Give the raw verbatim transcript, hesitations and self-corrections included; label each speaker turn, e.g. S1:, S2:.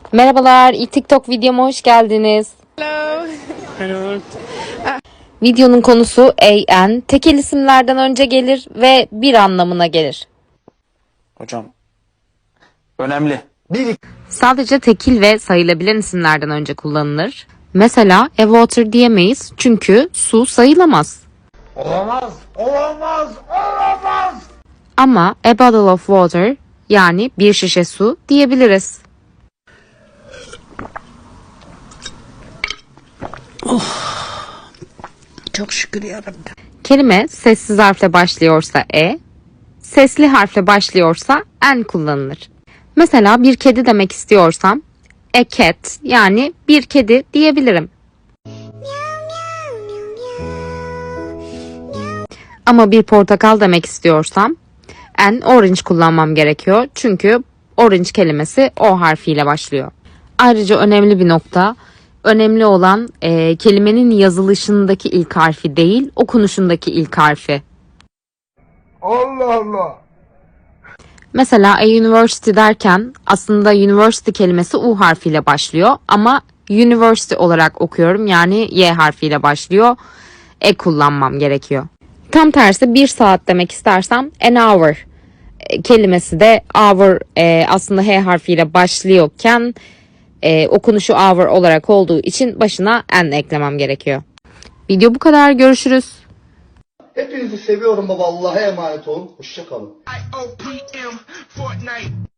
S1: Merhabalar, ilk TikTok videoma hoş geldiniz.
S2: Hello. Hello.
S1: Videonun konusu an, tekil isimlerden önce gelir ve bir anlamına gelir.
S3: Hocam önemli. Bir
S1: Sadece tekil ve sayılabilen isimlerden önce kullanılır. Mesela a water diyemeyiz çünkü su sayılamaz.
S3: Olamaz, olamaz, olamaz.
S1: Ama a bottle of water yani bir şişe su diyebiliriz.
S2: Çok şükür yarabbim.
S1: Kelime sessiz harfle başlıyorsa e, sesli harfle başlıyorsa n kullanılır. Mesela bir kedi demek istiyorsam a cat yani bir kedi diyebilirim. Ama bir portakal demek istiyorsam an orange kullanmam gerekiyor. Çünkü orange kelimesi o harfiyle başlıyor. Ayrıca önemli bir nokta, önemli olan e, kelimenin yazılışındaki ilk harfi değil, okunuşundaki ilk harfi.
S3: Allah Allah.
S1: Mesela a university derken aslında university kelimesi U harfiyle başlıyor ama university olarak okuyorum yani Y harfiyle başlıyor. E kullanmam gerekiyor. Tam tersi bir saat demek istersem an hour e, kelimesi de hour e, aslında H harfiyle başlıyorken e, okunuşu hour olarak olduğu için başına n eklemem gerekiyor. Video bu kadar. Görüşürüz.
S4: Hepinizi seviyorum baba. Allah'a emanet olun. Hoşça kalın.
S5: I O P M Fortnite.